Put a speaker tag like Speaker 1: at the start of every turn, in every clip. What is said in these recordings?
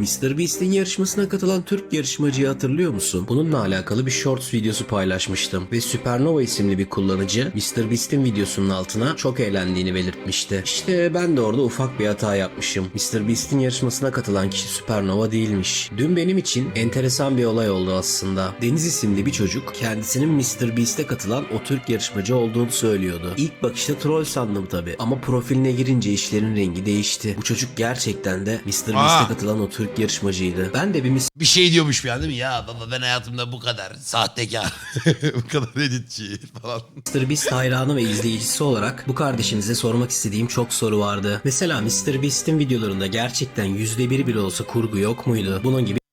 Speaker 1: MrBeast'in yarışmasına katılan Türk yarışmacıyı hatırlıyor musun? Bununla alakalı bir shorts videosu paylaşmıştım ve Supernova isimli bir kullanıcı MrBeast'in videosunun altına çok eğlendiğini belirtmişti. İşte ben de orada ufak bir hata yapmışım. MrBeast'in yarışmasına katılan kişi Supernova değilmiş. Dün benim için enteresan bir olay oldu aslında. Deniz isimli bir çocuk kendisinin MrBeast'e katılan o Türk yarışmacı olduğunu söylüyordu. İlk bakışta troll sandım tabi ama profiline girince işlerin rengi değişti. Bu çocuk gerçekten de MrBeast'e katılan o Türk yarışmacıydı. Ben de
Speaker 2: Bir şey diyormuş bir an değil mi? Ya baba ben hayatımda bu kadar sahtekar, bu kadar editçi falan.
Speaker 1: MrBeast hayranı ve izleyicisi olarak bu kardeşinize sormak istediğim çok soru vardı. Mesela MrBeast'in videolarında gerçekten %1 bile olsa kurgu yok muydu? Bunun gibi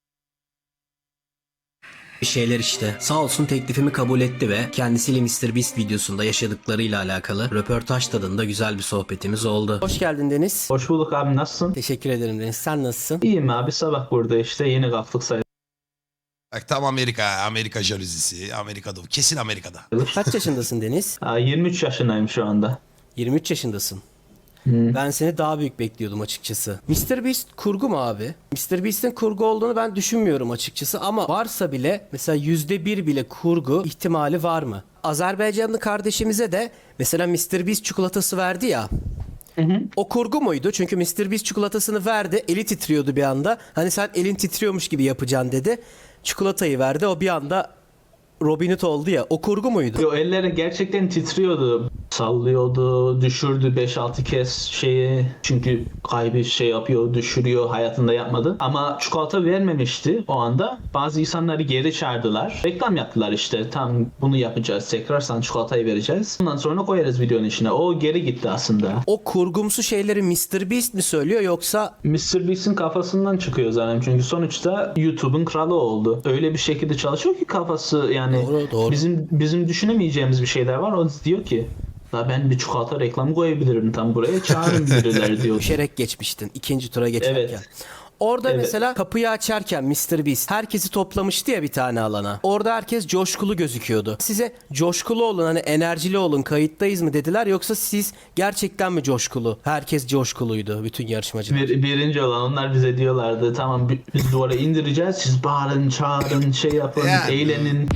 Speaker 1: bir şeyler işte. Sağ olsun teklifimi kabul etti ve kendisiyle MrBeast videosunda yaşadıklarıyla alakalı röportaj tadında güzel bir sohbetimiz oldu. Hoş geldin Deniz.
Speaker 3: Hoş bulduk abi, nasılsın?
Speaker 1: Teşekkür ederim Deniz. Sen nasılsın?
Speaker 3: İyiyim abi, sabah burada işte yeni kalktık sayılır.
Speaker 2: Bak tam Amerika jalüzisi, Amerika'da kesin Amerika'da.
Speaker 1: Kaç yaşındasın Deniz?
Speaker 3: 23 yaşındayım şu anda.
Speaker 1: 23 yaşındasın. Ben seni daha büyük bekliyordum açıkçası. MrBeast kurgu mu abi? MrBeast'in kurgu olduğunu ben düşünmüyorum açıkçası ama varsa bile mesela %1 bile kurgu ihtimali var mı? Azerbaycanlı kardeşimize de mesela MrBeast çikolatası verdi ya. O kurgu muydu? Çünkü MrBeast çikolatasını verdi. Eli titriyordu bir anda. Hani sen elin titriyormuş gibi yapacaksın dedi. Çikolatayı verdi. O bir anda Robin Hood oldu ya. O kurgu muydu?
Speaker 3: O elleri gerçekten titriyordu. Sallıyordu, düşürdü 5-6 kez şeyi. Çünkü kaybı şey yapıyor, düşürüyor, hayatında yapmadı. Ama çikolata vermemişti o anda. Bazı insanları geri çağırdılar. Reklam yaptılar işte. Tam bunu yapacağız tekrar, sana çikolatayı vereceğiz. Ondan sonra koyarız videonun içine. O geri gitti aslında.
Speaker 1: O kurgumsu şeyleri MrBeast mi söylüyor yoksa
Speaker 3: MrBeast'in kafasından çıkıyor zaten. Çünkü sonuçta YouTube'un kralı oldu. Öyle bir şekilde çalışıyor ki kafası, yani
Speaker 1: Doğru.
Speaker 3: bizim düşünemeyeceğimiz bir şeyler var. O diyor ki la ben bir çikolata reklamı koyabilirim tam buraya, çağırın birileri diyor.
Speaker 1: düşerek geçmiştin ikinci tura geçerken?
Speaker 3: Evet.
Speaker 1: Orada
Speaker 3: Evet.
Speaker 1: mesela kapıyı açarken MrBeast herkesi toplamıştı ya bir tane alana. Orada herkes coşkulu gözüküyordu. Size coşkulu olun, hani enerjili olun, kayıttayız mı dediler yoksa siz gerçekten mi coşkulu? Herkes coşkuluydu, bütün yarışmacılar.
Speaker 3: Birinci olan onlar bize diyorlardı tamam biz duvara indireceğiz, siz bağırın çağırın şey yapın
Speaker 2: Yani.
Speaker 3: eğlenin.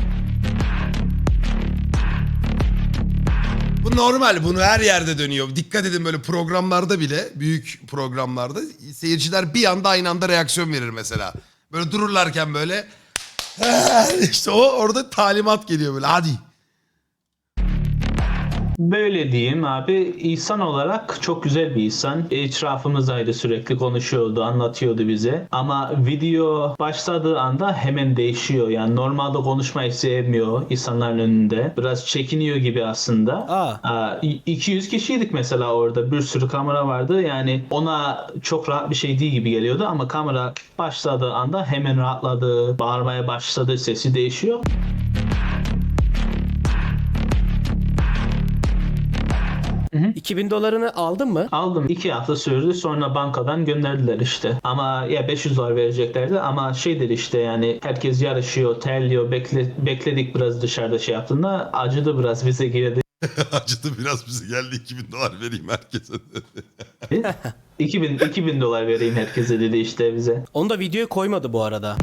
Speaker 2: Bu normal, bunu her yerde dönüyor. Dikkat edin böyle programlarda bile, büyük programlarda seyirciler bir anda aynı anda reaksiyon verir mesela. Böyle dururlarken böyle işte orada talimat geliyor böyle hadi.
Speaker 3: Böyle diyeyim abi, İhsan olarak çok güzel bir insan. Etrafımızdaydı, sürekli konuşuyordu, anlatıyordu bize. Ama video başladığı anda hemen değişiyor. Yani normalde konuşmayı sevmiyor insanların önünde. Biraz çekiniyor gibi aslında. 200 kişiydik mesela orada. Bir sürü kamera vardı. Yani ona çok rahat bir şey değil gibi geliyordu ama kamera başladığı anda hemen rahatladı. Bağırmaya başladı, sesi değişiyor.
Speaker 1: $2000'ını aldın mı?
Speaker 3: Aldım. 2 hafta sürdü. Sonra bankadan gönderdiler işte. Ama ya $500 vereceklerdi ama şeydir işte, yani herkes yarışıyor, terliyor. Bekledik biraz dışarıda şey yaptığında. Acıdı biraz bize girdi.
Speaker 2: Acıdı biraz, bize geldi $2000 vereyim herkese.
Speaker 3: $2000 vereyim herkese dedi işte bize.
Speaker 1: Onu da videoya koymadı bu arada.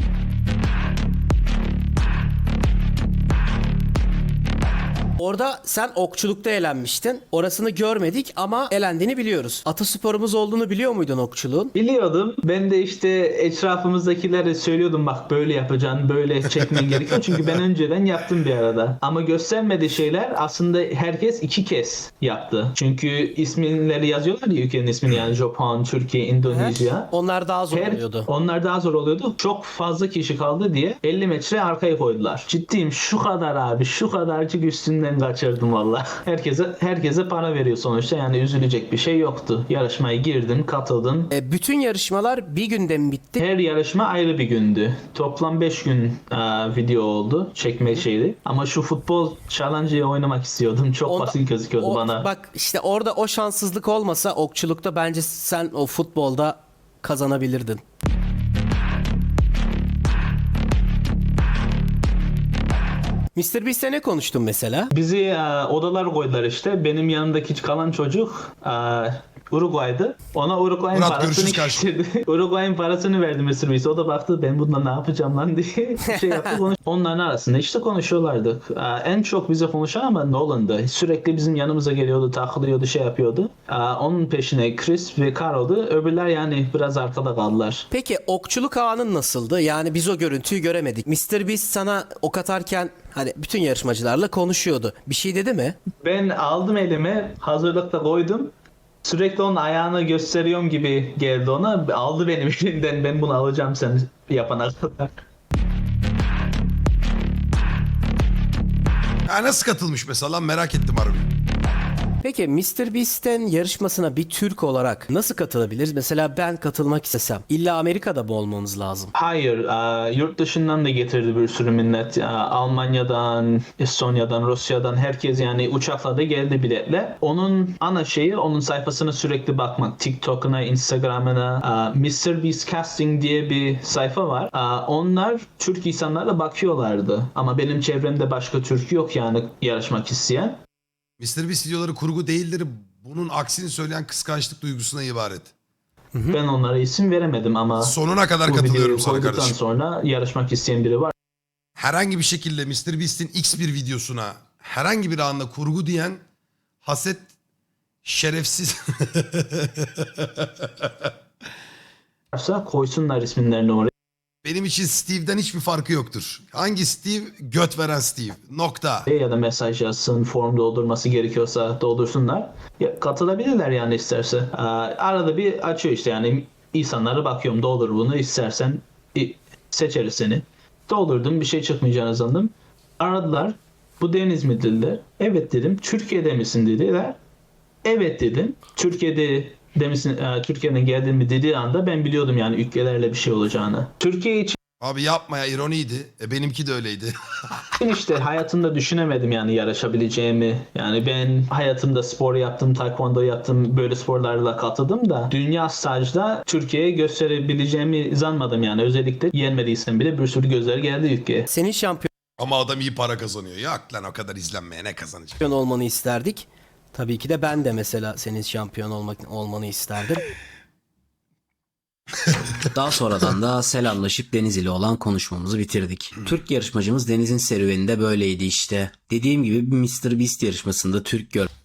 Speaker 1: Orada sen okçulukta elenmiştin. Orasını görmedik ama elendiğini biliyoruz. Atasporumuz olduğunu biliyor muydun okçuluğun?
Speaker 3: Biliyordum. Ben de işte etrafımızdakilere söylüyordum, bak böyle yapacaksın, böyle çekmen gerekiyor. Çünkü ben önceden yaptım bir arada. Ama göstermediği şeyler aslında herkes 2 kez yaptı. Çünkü isimleri yazıyorlar ya, ülkenin ismini, yani Japon, Türkiye, Endonezya.
Speaker 1: Onlar daha zor oluyordu.
Speaker 3: Onlar daha zor oluyordu. Çok fazla kişi kaldı diye 50 metre arkaya koydular. Ciddiyim, şu kadar abi, şu kadarcık üstünden kaçırdım valla. Herkese para veriyor sonuçta, yani üzülecek bir şey yoktu. Yarışmaya girdim, katıldım.
Speaker 1: Bütün yarışmalar bir günde mi bitti?
Speaker 3: Her yarışma ayrı bir gündü. Toplam 5 gün video oldu. Çekme şeydi. Ama şu futbol challenge'ı oynamak istiyordum. Çok basit gözüküyordu bana.
Speaker 1: Bak işte orada o şanssızlık olmasa okçulukta bence sen o futbolda kazanabilirdin. MrBeast'e ne konuştun mesela?
Speaker 3: Bizi odalar koydular işte. Benim yanımdaki kalan çocuk Uruguay'dı. Ona Uruguay'ın
Speaker 2: Murat,
Speaker 3: parasını
Speaker 2: görüşürüz kardeşim.
Speaker 3: getirdi. Uruguay'ın parasını verdi Mr. Beast. O da baktı ben bundan ne yapacağım lan diye şey yaptı. Onların arasında işte konuşuyorlardı. En çok bize konuşan ama Nolan'dı. Sürekli bizim yanımıza geliyordu, takılıyordu, şey yapıyordu. Onun peşine Chris ve Carl'dı. Öbürler yani biraz arkada kaldılar.
Speaker 1: Peki okçuluk ağının nasıldı? Yani biz o görüntüyü göremedik. Mr. Beast sana ok atarken hani bütün yarışmacılarla konuşuyordu. Bir şey dedi mi?
Speaker 3: Ben aldım elime, hazırlıkta koydum. Sürekli onun ayağını gösteriyorum gibi geldi ona. Aldı benim elimden, ben bunu alacağım sen yapana kadar.
Speaker 2: Ha, nasıl katılmış mesela lan, merak ettim harbi.
Speaker 1: Peki Mr. Beast'in yarışmasına bir Türk olarak nasıl katılabiliriz? Mesela ben katılmak istesem illa Amerika'da mı olmamız lazım?
Speaker 3: Hayır, yurt dışından da getirdi bir sürü millet. Almanya'dan, Estonya'dan, Rusya'dan herkes yani uçakla da geldi biletle. Onun ana şeyi onun sayfasına sürekli bakmak. TikTok'una, Instagram'ına, Mr. Beast Casting diye bir sayfa var. Onlar Türk insanlarla bakıyorlardı. Ama benim çevremde başka Türk yok yani yarışmak isteyen.
Speaker 2: Mr. Beast videoları kurgu değildir. Bunun aksini söyleyen kıskançlık duygusuna ibaret.
Speaker 3: Ben onlara isim veremedim ama
Speaker 2: Sonuna kadar
Speaker 3: bu videoyu
Speaker 2: katılıyorum sana
Speaker 3: koyduktan
Speaker 2: kardeşim.
Speaker 3: sonra yarışmak isteyen biri var.
Speaker 2: Herhangi bir şekilde Mr. Beast'in X bir videosuna herhangi bir anda kurgu diyen haset şerefsiz.
Speaker 3: Varsa koysunlar isimlerini oraya.
Speaker 2: Benim için Steve'den hiçbir farkı yoktur. Hangi Steve? Göt veren Steve. Nokta.
Speaker 3: Ya da mesaj yazsın, form doldurması gerekiyorsa doldursunlar. Ya, katılabilirler yani isterse. Arada bir açıyor işte yani insanlara bakıyorum doldur bunu istersen seçeriz seni. Doldurdum bir şey çıkmayacağını sandım. Aradılar. Bu Deniz mi dediler. Evet dedim. Türkiye'de misin dediler. Evet dedim. Türkiye'den geldin mi dediği anda ben biliyordum yani ülkelerle bir şey olacağını. Türkiye için
Speaker 2: Abi yapma ya, ironiydi. Benimki de öyleydi.
Speaker 3: işte hayatımda düşünemedim yani yarışabileceğimi. Yani ben hayatımda spor yaptım, taekwondo yaptım, böyle sporlarla katıldım da dünya stajda Türkiye'ye gösterebileceğimi zanmadım yani. Özellikle yenmediysem bile bir sürü gözler geldi ülkeye.
Speaker 1: Senin şampiyon
Speaker 2: Ama adam iyi para kazanıyor. Yok lan, o kadar izlenmeye ne kazanacak?
Speaker 1: olmanı isterdik. Tabii ki de ben de mesela senin şampiyon olmanı isterdim. Daha sonradan da selamlaşıp Deniz ile olan konuşmamızı bitirdik. Türk yarışmacımız Deniz'in serüveni de böyleydi işte. Dediğim gibi bir Mr. Beast yarışmasında Türk